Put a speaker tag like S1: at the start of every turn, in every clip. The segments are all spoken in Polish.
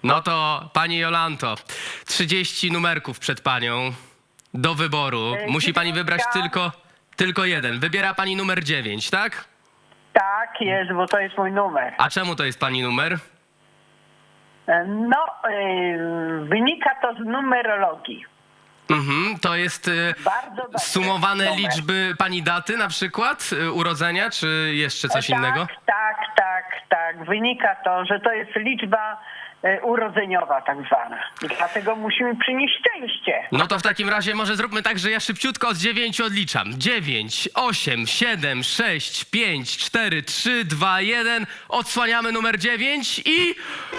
S1: No to pani Jolanto, 30 numerków przed panią do wyboru. Musi pani wybrać tylko jeden. Wybiera pani numer 9, tak?
S2: Tak jest, bo to jest mój numer.
S1: A czemu to jest pani numer?
S2: No, wynika to z numerologii.
S1: To jest
S2: Bardzo dobry
S1: sumowane
S2: numer.
S1: liczby pani daty na przykład urodzenia, czy jeszcze coś innego?
S2: Tak. Wynika to, że to jest liczba urodzeniowa tak zwana. Dlatego musimy przynieść szczęście.
S1: No to w takim razie może zróbmy tak, że ja szybciutko od 9 odliczam. 9, 8, 7, 6, 5, 4, 3, 2, 1. Odsłaniamy numer 9 i...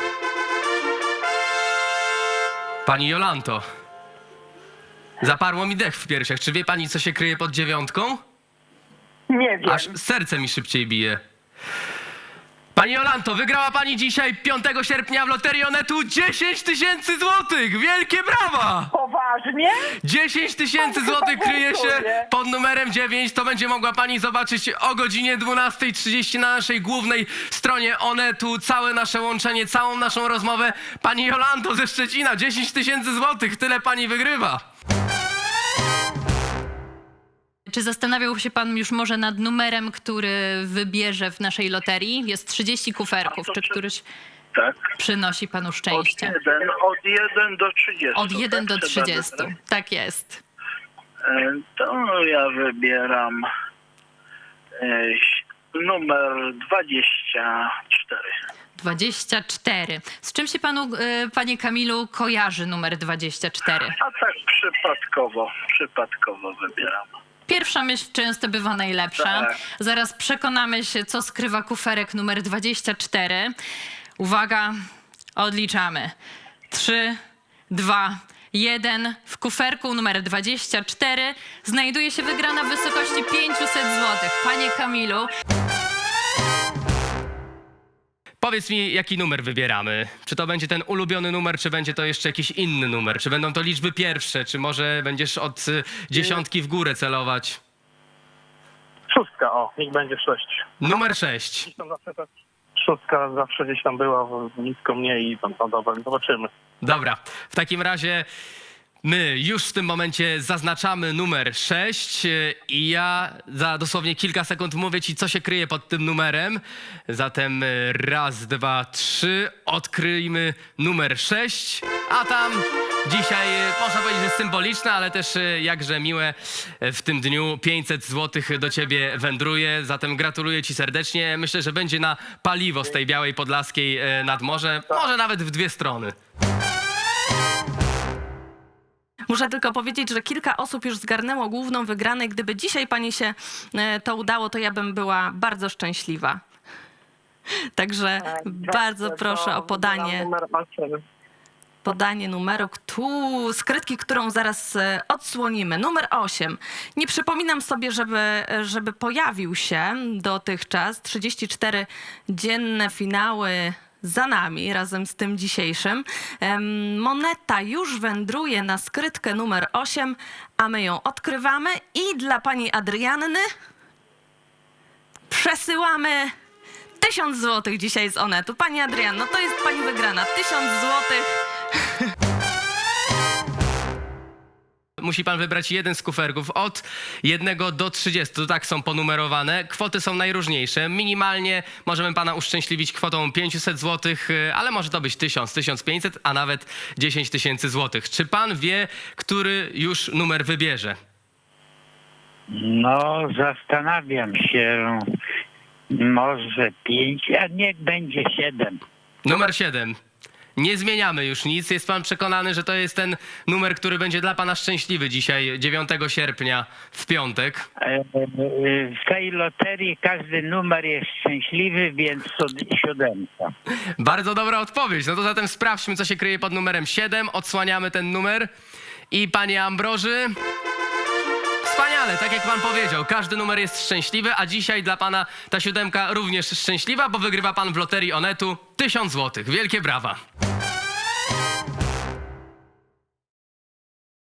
S1: Pani Jolanto, zaparło mi dech w piersiach. Czy wie pani, co się kryje pod 9?
S2: Nie wiem.
S1: Aż serce mi szybciej bije. Pani Jolanto, wygrała pani dzisiaj 5 sierpnia w Loterii Onetu 10 000 złotych! Wielkie brawa!
S2: Poważnie?
S1: 10 000 złotych kryje się pod numerem 9. To będzie mogła pani zobaczyć o godzinie 12:30 na naszej głównej stronie Onetu. Całe nasze łączenie, całą naszą rozmowę. Pani Jolanto ze Szczecina, 10 000 złotych. Tyle pani wygrywa.
S3: Czy zastanawiał się pan już może nad numerem, który wybierze w naszej loterii? Jest 30 kuferków. Czy któryś
S4: Tak.
S3: przynosi panu szczęście?
S4: Od 1 do 30.
S3: Od 1 do
S4: tak? Trzeba
S3: 30.
S4: wybrać.
S3: Tak jest.
S4: To ja wybieram numer 24.
S3: 24. Z czym się panu, panie Kamilu, kojarzy numer 24?
S4: A tak przypadkowo wybieram.
S3: Pierwsza myśl często bywa najlepsza.
S4: Tak.
S3: Zaraz przekonamy się, co skrywa kuferek numer 24. Uwaga, odliczamy. 3, 2, 1. W kuferku numer 24 znajduje się wygrana w wysokości 500 zł. Panie Kamilu,
S1: Powiedz mi, jaki numer wybieramy? Czy to będzie ten ulubiony numer, czy będzie to jeszcze jakiś inny numer? Czy będą to liczby pierwsze, czy może będziesz od dziesiątki w górę celować?
S5: 6, niech będzie 6.
S1: Numer 6.
S5: Szóstka zawsze gdzieś tam była, blisko mnie i tam dobra, zobaczymy.
S1: Dobra, w takim razie my już w tym momencie zaznaczamy numer 6 i ja za dosłownie kilka sekund mówię ci, co się kryje pod tym numerem. Zatem raz, dwa, trzy, odkryjmy numer 6, a tam dzisiaj można powiedzieć, że symboliczne, ale też jakże miłe w tym dniu 500 zł do ciebie wędruje. Zatem gratuluję ci serdecznie. Myślę, że będzie na paliwo z tej Białej Podlaskiej nad morze, może nawet w dwie strony.
S6: Muszę tylko powiedzieć, że kilka osób już zgarnęło główną wygraną. Gdyby dzisiaj pani się to udało, to ja bym była bardzo szczęśliwa. Także bardzo proszę o podanie numeru skrytki, którą zaraz odsłonimy. Numer 8. Nie przypominam sobie, żeby pojawił się dotychczas. 34 dzienne finały za nami, razem z tym dzisiejszym. Moneta już wędruje na skrytkę numer 8, a my ją odkrywamy i dla pani Adrianny przesyłamy 1000 zł dzisiaj z Onetu. Pani Adrianno, to jest pani wygrana. 1000 zł.
S1: Musi pan wybrać jeden z kuferków od 1 do 30. To tak są ponumerowane. Kwoty są najróżniejsze. Minimalnie możemy pana uszczęśliwić kwotą 500 zł, ale może to być 1000, 1500, a nawet 10 000 zł. Czy pan wie, który już numer wybierze?
S7: No, zastanawiam się. Może 5, a niech będzie 7.
S1: Numer 7. Nie zmieniamy już nic. Jest pan przekonany, że to jest ten numer, który będzie dla pana szczęśliwy dzisiaj, 9 sierpnia, w piątek?
S7: W tej loterii każdy numer jest szczęśliwy, więc 7.
S1: Bardzo dobra odpowiedź. No to zatem sprawdźmy, co się kryje pod numerem 7. Odsłaniamy ten numer. I panie Ambroży, wspaniale, tak jak pan powiedział, każdy numer jest szczęśliwy, a dzisiaj dla pana ta 7 również szczęśliwa, bo wygrywa pan w Loterii Onetu 1000 zł. Wielkie brawa.